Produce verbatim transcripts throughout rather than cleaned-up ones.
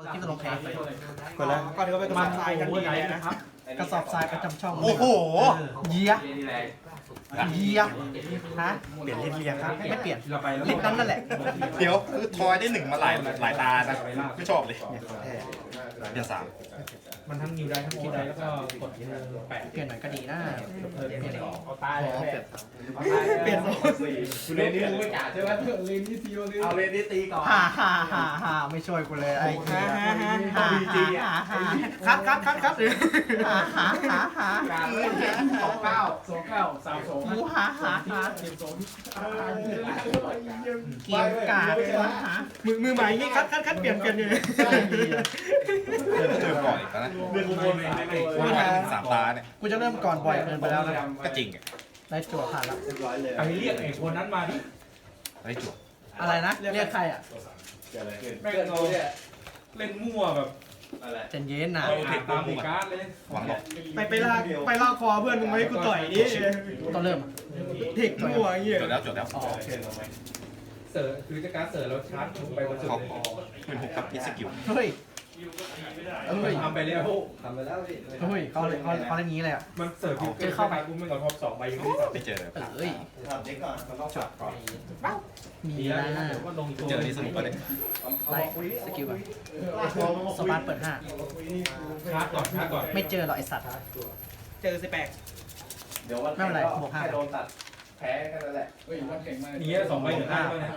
ที่จะลงแข่งก่อนแล้วก่อนที่เขาไปกระสอบทรายกันดีเลยนะกระสอบทรายประจำช่องโอ้โหเยียเยียฮะเปลี่ยนลิฟต์เรียงครับไม่เปลี่ยนลิฟต์นั้นนั่นแหละเดี๋ยวคือทอยได้หนึ่งมาหลายหลายตานะไม่ชอบเลยเดี๋ยวสามมันทั้งนิวได้ทั้งคิดได้แล้วก็กดแปดเปลี่ยนหน่อยก็ดีนะเปลี่ยนเอาตายเลยเปลี่ยนเรนนี่ไม่กล้าใช่ไหมเรนนี่ซีโร่เอาเรนนี่ตีก่อนฮ่าฮ่าฮ่าฮ่าไม่ช่วยกูเลยไอ้ฮ่าฮ่าฮ่าฮ่าฮ่าฮ่าคัดคัดคัดคัดฮ่าฮ่าฮ่าฮ่าสองเก้าสองเก้าสามสองกูฮ่าฮ่าฮ่าเกมโซนเกียร์กาดฮะมือมือใหม่นี่คัดคัดคัดเปลี่ยนเปลี่ยนอยู่เจอก่อนอีกแล้วนะเรื่องบนไม่ไม่ว่าทอยได้หนึ่งสามตาเนี่ยกูจะเริ่มก่อนบ่อยเกินไปแล้วนะก็จริงอ่ะได้จั่วผ่านแล้วไปเรียกไอ้คนนั้นมาดิได้จุดอะไรนะเรียกใครอ่ะแม่งเราเล่นมั่วแบบเจนเย็นนะเอาเทคตามเทคการ์ดเลยหวังหรอกไปไปลากไปลากคอเพื่อนมึงไม่ให้กูต่อยดิต้องเริ่มเทคมั่วอย่างเงี้ยจดแล้วจดแล้วอ๋อโอเคเสิร์ฟคือจะการเสิร์ฟแล้วชาร์จไปบนสุดเขาเป็นหกกับพิสกิลเฮ้ยเฮ้ยทำไปแล้วทำไปแล้วพี่เฮ้ยเขาเลยเขาเขาเล่นนี้เลยอ่ะมันเสิร์ฟเจอเข้าไปกูไม่เอาท็อปสองใบยังไม่ได้ไม่เจอเลยเอ้ย มีดีนะแล้วเดี๋ยวก็ลงตัวเจอนี่สนุกกว่าเลยไล่สกิลก่อนสปาร์ตเปิดห้าชาร์จก่อนชาร์จก่อนไม่เจอหรอกไอสัตว์เจอสิแปลกไม่เป็นไรบวกห้านี่สองใบถึงห้าเนี่ย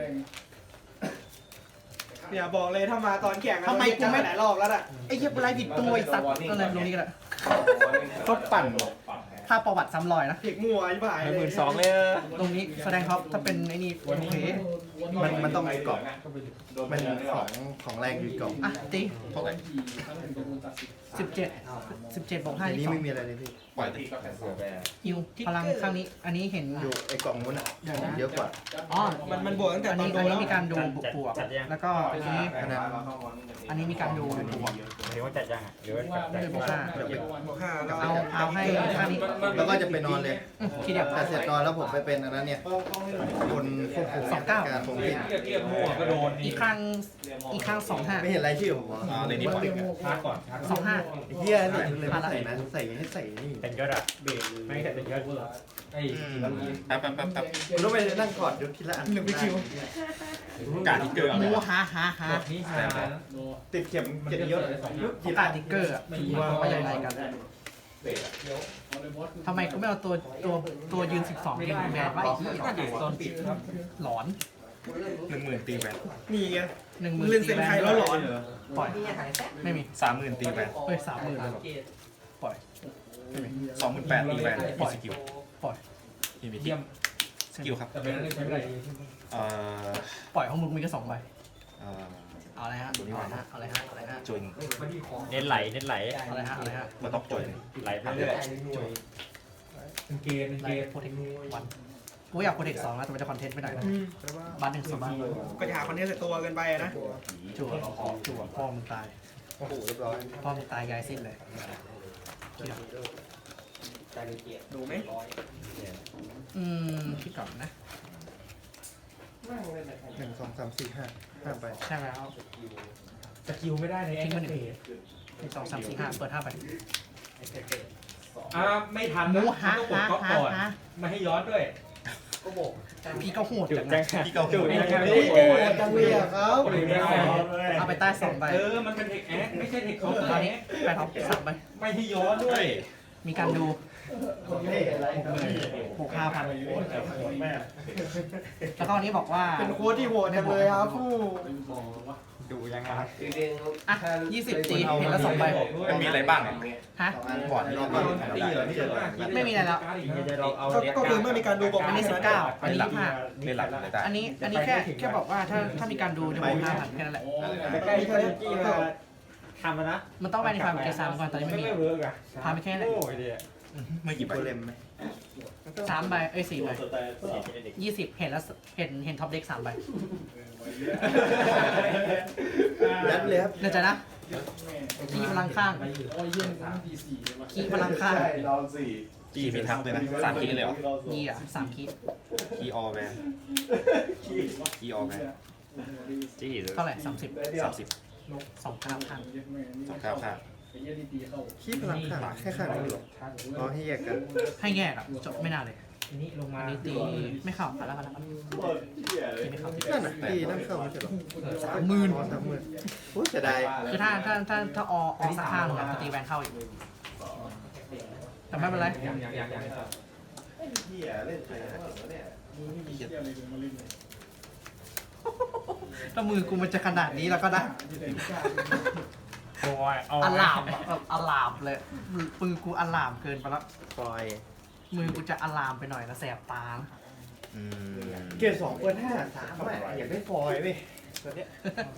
เนี่ยบอกเลยถ้ามาตอนแข่งจะหลายรอบแล้วอ่ะไอ้เหี้ยกูไล่ผิดตัวไอสัตว์ก็เลยลงนี้ก็ได้ก็ปั่นถ้าประวัติซ้ำรอยนะเทคมั่วยิ่งไปหมื่นสองเลยตรงนี้แสดงท็อปถ้าเป็นไอ้นี่โอเคมันมันต้องมีกล่องมันของของแรงอยู่กล่องอ่ะตีเท่าไหร่สิบเจ็ดสิบเจ็ดบวกห้าอันนี่นี้สอไม่งมีอะไรเลยพี่ปล่อยติฮิวพลังข้างนี้อันนี้เห็นอยู่ไอ้กล่องนู้นอ่ะเยอะกว่าอ๋อมันมันบวกตั้งแต่อันตอนนี้โดอันนแล้นี้วมีการดูบวกแล้วก็อันนี้ขนาดอันนี้มีการดูบวกหรือว่าจัดยังอ่ะหรือว่าจัดด้วยบวกห้าบวกห้าเอาเอาให้ข้างนี้แล้วก็จะไปนอนเลยอืมทีเดียวแต่เสร็จนอนแล้วผมไปเป็นอันนั้นเนี่ยคนควบคุมสองเก้าการผมเรีผิยดกเรียกมั่วก็โดนอีกข้างอีกข้างสองห้าไม่เห็นรายชื่อผมเหรออ่าเลยนี่ปล่อยชาร์จก่อนชาร์จสองห้าเฮียนี่เลยไม่ใส่นะใส่ให้ใส่นี่เป็นยอดอะเบรกไม่ใช่เป็นยอดพูดหรอไอ้แป๊บแป๊บแป๊บแป๊บคุณต้องไปนั่งกอดยศทีละอันหนึ่งไปคิวกาดที่เกินเอาหเลมูยหาหาหานี่หาติดเข็มเจ็ดยศเขาการติ๊กเกอร์อะว่ายังไงกันทำไมกูไม่เอาตัวตัวตัวยืนสิบสองยิงแบนไว้ไอ้ที่ก็อยู่ตอนปิดครับหลอนหนึ่งหมื่นตีแวนนี่ไงหนึ่งหมึมื่งนเล่นเซนไทยแล้วหลอนปล่อยไม่มีสามหมื่นตีแวนเฮ้ยสามหมื่นเลยเหรอปล่อยไม่มีสองหมื่นแปดตีแวนพิสกิลปล่อยทีมีทีเยี่ยมสกิลครับแต่เป็นอะไรใช้ไม่ได้เอ่อปล่อยของมึงมีแค่สองใบเอ่อเอาอะไรฮะเอาอะไรฮะเอาอะไรฮะเอาอะไรฮะจุนเน้นไหลเน้นไหลเอาอะไรฮะเอาอะไรฮะมาต้องจุนไหลไปเรื่อยเป็นเกณฑ์เป็นไลเกณฑ์ท์โปรเทควันกูอยากโปรเทคสองนะแต่มันจะคอนเทนต์ไม่ได้นะบัตหนึ่งสองบัตก็จะหาคอนเทนต์ใส่ตัวเกินไปนะจั่วจั่วพ่อมึงตายโอ้โหเรียบร้อยพ่อมึงตายยายสิ้นเลยดูไหมอืมคิดก่อนนะหนึ่งสองสามสี่ห้าห้าไปใช่แล้วสกิลไม่ได้ในแอคเตหนึ่งสองสามสี่ห้าเปิดห้าไปอ่าไม่ทันหมูนะหาต้องกดหาก๊อปหาก่อนหาไม่ให้ย้อนด้วยพี่ก็โหดจุดจังจันะงพี่เกาหูโอ้โหจังเลยอะครับเอาไปใต้สองใบเออมันเป็นเทคแอคไม่ใช่เทคเขาตอนนี้ไปท็อปสามใบไม่ให้ย้อนด้วยมีการดูหกห้าพันแล้วก็อันนี้บอกว่าเป็นโค้ดที่โหดจังเลยครับผู้ดูยังไงครับอ่ะยี่สิบตีเห็นแล้วสองใบมันมีอะไรบ้างเนี่ยฮะบอร์ดรอก่อนตีเหรอนี่เหรอไม่มีอะไรแล้วเราเอาก็คือเมื่อมีการดูบอกอันนี้สิบเก้าอันนี้ยี่สิบห้าเล่นหลักเลยได้อันนี้อันนี้แค่แค่บอกว่าถ้าถ้ามีการดูจะบวกห้าพันแค่นั้นแหละใกล้ๆที่กี้มาทำนะมันต้องไปในฟาร์มเกซามก่อนตอนนี้ไม่มีไม่เวิร์กอ่ะพาไปแค่นั้นโอ้ยเดียเมื่อกี่ใบโกเลมไหมสามใบเอ้ยสี่ใบยี่สิบเห็นแล้วเห็นเห็นท็อปเด็กสามใบยัดเลยครับเดี๋ยวจะนะคีพลังข้างคีพลังข้างจีมีทักเลยนะสามคีเลยเหรอยี่อ่ะสามคีคีออแวนคีออแวนจี้เท่าไหร่สามสิบสามสิบสองเก้าพันสองเก้าค่ะขี้พลังข้างแค่ข้างนี้หรออ๋อให้แยกกันให้แยกอ่ะจบไม่น่าเลยอันนี้ลงมาอันนี้ตีไม่เข้าไปแล้วกันแล้วกันตีไม่เข้านั่นน่ะตีนั่นเข้าไม่ใช่หรอสามหมื่นอ๋อสามหมื่นโอ้ยเสียดายคือถ้าถ้าถ้าถ้าอออสักข้างหนึ่งอะจะตีแวนเข้าอีกแต่ไม่เป็นไรยังยังยังยังถ้ามือกูมันจะขนาดนี้แล้วก็ได้โอ้ยเอาอลามอะแบบอลามเลยมือกูอลามเกินไปแล้วฟอยมือกูจะอลามไปหน่อยนะแสบตานะอืมเกียร์สองเปิดห้าสามแหละอยากได้ฟอยเว้ยตัวเนี้ย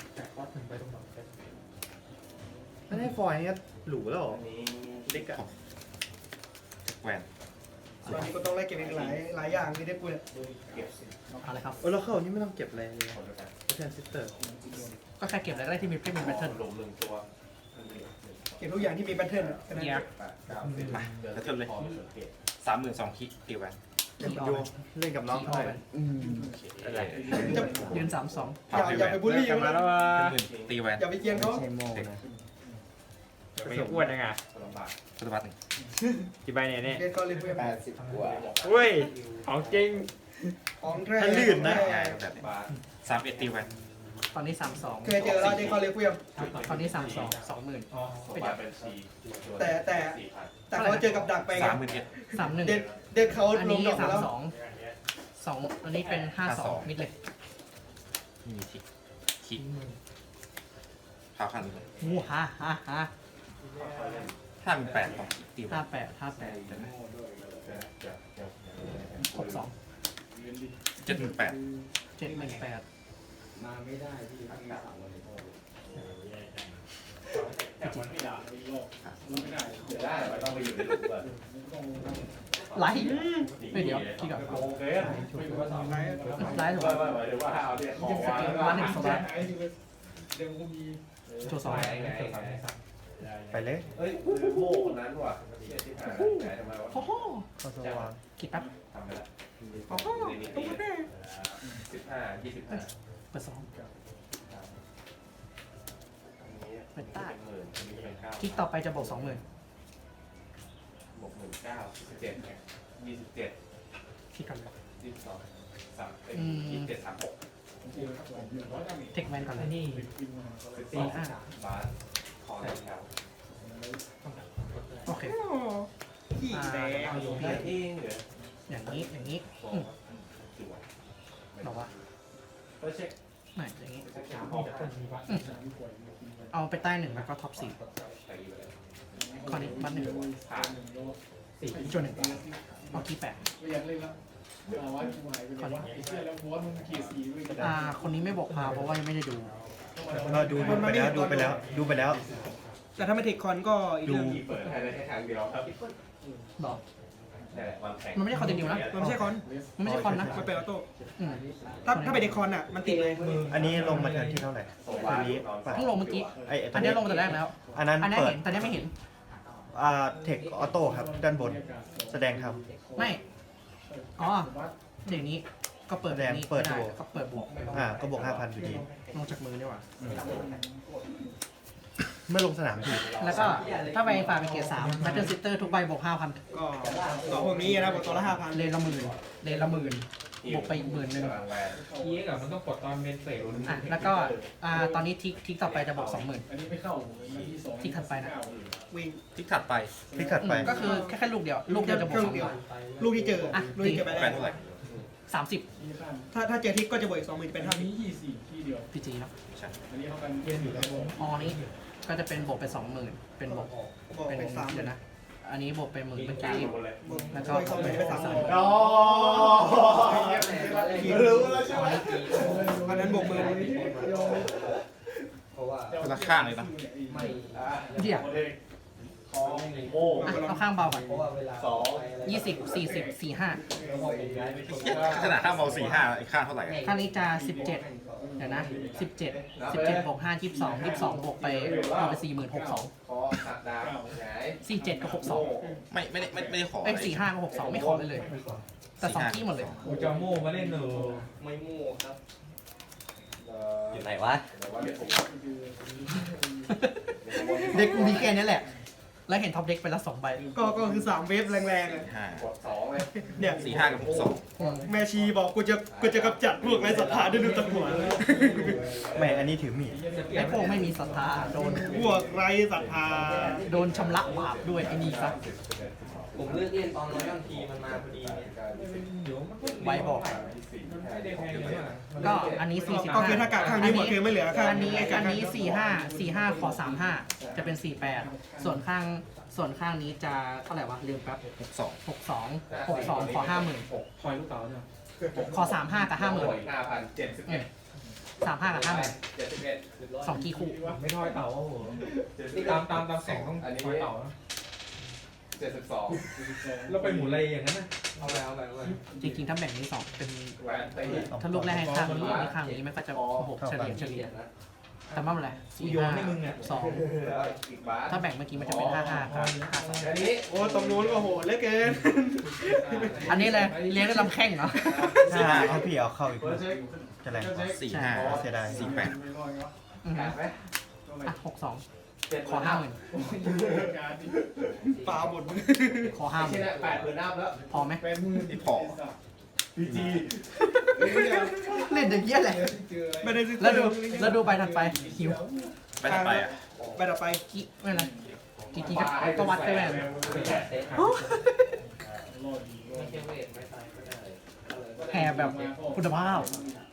ถ้าได้ฟอยนี่หรูแล้วเหรอเล็กอะแหวนตอนนี้ก็ต้องไล่เก็บอีกหลายหลายอย่างที่ได้กูเนี่ยเอาเลยครับเออแล้วเข้านี่ไม่ต้องเก็บอะไรเลยแทนซิสเตอร์ก็แค่เก็บอะไรก็ได้ที่มีเพชรมีแพทเทิร์นเก็บทุกอย่างที่มีแพทเทิร์นอะแค่นั้นเนี่ยมาแล้วเทิร์นเลยสามหมื่นสองคิกตีแหวนเล่นกับโยเล่นกับน้องเขาเลยอะไรจะยืนสามสองอย่าอย่าไปบูลลี่กลับเขามานะแล้วว่าหมื่นตีแหวนอย่าไปเกลียนเขาใช้โม่นะไม่อ้วนยังไงพุทธวัตรหนึ่งกี่ใบเนี่ยเนี่ยเกลียนเขาเลยเพื่อนแปดสิบกว่าอุ้ยของจริงของแท้ถ้าลื่นนะง่ายแบบนี้สามเอ็ดตีแหวนตอนนี้สามสองเคยเจอแล้วเด็กเขาเลยเพื่อนตอนนี้สามสองสองหมื่นแต่แต่แต่เขาเจอกับดักไปไงสามหมื่นเอ็ดสามหนึ่งเด็กเด็กเขาอันลงนี้ดอกสามแล้วสองสองอันนี้เป็นห้าสองมิดเลยมีคิกคิกพาพันเลยมูฮ่าฮ่าฮ่าห้าหมื่นแปดของคิกตีแหวห้าน แปดห้าแปดหกสองเจ็ดหมื่นแปดเจ็ดหมื่นแปดไลท์ไม่เดี๋ยวที่กับไลท์ถูกไหมวันหนึ่งสองโชว์สองไปเลยเฮ้ยคือโม่คนนั้นว่ะเชี่ยที่หายไหนทำไมวะโอ้โหเข้าสว่างคิดแป๊บทำไปละโอ้โหตุ๊กตาสิบห้ายี่สิบห้าเปิดสอง เป็นใต้หมื่นอันนี้เป็นเก้าคลิกต่อไปจะบวกสองหมื่นบวกหมื่นเก้าสิบเจ็ดยี่สิบเจ็ดคลิกกันยี่สิบสองสามอืมยี่สิบเจ็ดสามหกเทคแมนก่อนเลยนี่สิบตีสี่ห้าบาสคอในแถวโอเคขี้อ่าแดงเอาอยู่ได้เองเหรออย่างนี้อย่างนี้อืมสวยบอกว่าก็เช็คไม่อย่างนี้ออกอืมเอาไปใต้หนึ่งแล้วก็ท็อปสี่ไปเลยข้อนี้บัตหนึ่งผ่านสี่จนหนึ่งเอาที่แปดข้อนี้อ่าคนนี้ไม่บอกพาเพราะว่ายังไม่ได้ดูเราดูดูไปแล้วดูไปแล้วดูไปแล้วแต่ถ้าไม่เทคคอนก็อีกเรื่องที่เปิดให้ได้แค่ทางเดียวครับบอกแต่วันแข่งมันไม่ได้คอนติเนียนะมันไม่ใช่คอนมันไม่ใช่คอนนะมันเป็นออโต้อืมถ้าถ้าเป็นเทคคอนอ่ะมันติดเลยอันนี้ลงมาเทิร์นที่เท่าไหร่อันนี้ป่ะเพิ่งลงเมื่อกี้ไอ้ไอ้อันนี้ลงแต่แรกแล้วอันนั้นอันนี้เปิดเห็นแต่เนี้ไม่เห็นอ่าเทคออโต้ครับด้านบนแสดงทไม่ อ๋อ เดี๋ยวนี้ก็เปิดแบบนี้เปิดไม่ดูก็เปิดบวกำอ่าก็บวกห้าพันอยู่ดีลงจากมือดีกว่าเมื่อลงสนามถูกแล้วก็ถ้าไปฝากเป็นเกียร์สามแบตเตอร์ซิสเตอร์ทุกใบบวกห้าพันก็ต่อพวกนี้นะบวกตัวละห้าพันเลนละหมื่นเลนละหมื่นบวกไปอีกหมื่นหนึ่งกำลังแวนอีกอะมันต้องกดตอนเป็นเฟสอ่ะแล้วก็อ่าตอนนี้ทิกทิกต่อไปจะบวกสองหมื่นทิกถัดไปนะวิ่งทิกถัดไปพลิกถัดไปก็คือแค่แค่ลูกเดียว ลูกเดียวจะบวกสองหมื่นลูกที่เจออะลูกที่เจอไปแหวแล้นเท่าไหร่วสามสิบถ้าถ้าเจอทิกก็จะบวกอีกสองหมื่นเป็นเท่านี้พีจีเนาะใช่ออนี้ก็จะเป็นบวกเป็นสองหมื่นเป็นบวกบวกเป็นเป็นสามหมื่เดี๋ยนวนะ อันนี้บวกเป็นหมื่นเมื่อกี้บวกแล้วบก็วกอีกสองหมื่นเป็นสามหมื่นอ๋อรู้แล้วใช่ไหมอันนั้นบวกหมื่นคนละข้างเลยนะเดี๋ยวโม่อ่ะเอาข้างเบาก่อนสองยี่สิบสี่สิบสี่ห้าขนาดข้างเบาสี่ห้าอีกข้างเท่าไหร่อะข้างนี้จะสิบเจ็ดเดี๋ยวนะสิบเจ็ดสิบเจ็ดบวกห้ายี่สิบสองยี่สิบสองบวกไปบวกไปสี่หมื่นหกสองคอขัดดาวหงายสี่เจ็ดกับหกสองไม่ไม่ได้ไม่ไม่ได้ขอเอ้ยสี่ห้ากับหกสองไม่ขอเลยเลย แต่สองที่หมดเลยกูจะโม่มาเล่นหนูไม่โม่ครับอยู่ไหนวะเด็กกูมีแค่นี้แหละ แล้วเห็นท็อปเด็กไปละสองใบก็ก็คือสามเวฟแรงๆอะห้ากดสองเลยเนี่ยสี่ห้ากับหกสองแม่ชีบอกกูจะกูจะกำจัดพวกไร้ศรัทธาด้วยดูตะกั่วแม่อันนี้ถือมีดไอ้พวกไม่มีศรัทธาโดนพวกไร้ศรัทธาโดนชำระบาปด้วยไอ้นี่ซะผมเลือกเล่นตอนร้อยบางทีมันมาพอดีเนี่ยใบบอกไม่ได้แพงเลยว่ะก็อันนี้สี่สิบก็ห้าคือถ้ากาข้างนี้หมดคือไม่เหลือข้างอันนี้ไกาอันข้างนี้สี่ห้าสี่ห้าขอสามห้าจะเป็นสี่แปดส่วนข้างส่วนข้างนี้จะเท่าไหร่วะลืมแป๊บหกสองหกสองหกสองขอห้าหมื่นทอยลูกเต๋าเนี่ยขอสามห้ากับห้าหมื่นห้าพันเจ็ดสิบเอ็ดสามห้ากับห้าหมื่นเจ็ดสิบเอ็ดสองกี่คู่ไม่ทอยเต๋าโอ้โหตามตามตามแสงต้องทอยเต๋านะเจ็ดสิบสองแล้วไปหมุนอะไรอย่างนั้นนะเอาไปเอาไปเอาไปจริงๆถ้าแบ่งนี้สองเป็นแหวนตีถ้าลูกแรกให้ข้างนี้อันนี้ข้างนี้มันก็จะหกเฉลี่ยเฉลี่ยแต่ไม่เป็นไรกูสี่โยนห้าให้มึงเนี่ยสองอีกบาทถ้าแบ่งเมื่อกี้มันจะเป็นห้าห้าครับห้าสองอันนี้โอ้ตรงนู้นก็โหดเหลือเกินอันนี้เลยเลี้ยงด้วยลำแข้งเหรอสี่ห้าเอาพี่เอาเข้าอีกจะแรงสี่ห้าเสียดายสี่แปดอือแปฮึดไหมอ่ะหกสองเจ็ดขอห้าหมื่นปลาหมดขอห้าหที่มื่นนี่แปดหมื่นอัพแล้วพอไหมไม่พอเล่นอย่างเงี้ยแหละไม่ได้ซื้อแล้วดูแล้วดูใบถัดไปหิวไปต่อไปอ่ะไปต่อไปกี่ไม่เป็นไรกี่กี่ก็ก็วัดไปแบบไม่ใช่เวทไม่ตายก็ได้แห่แบบคุณภาพ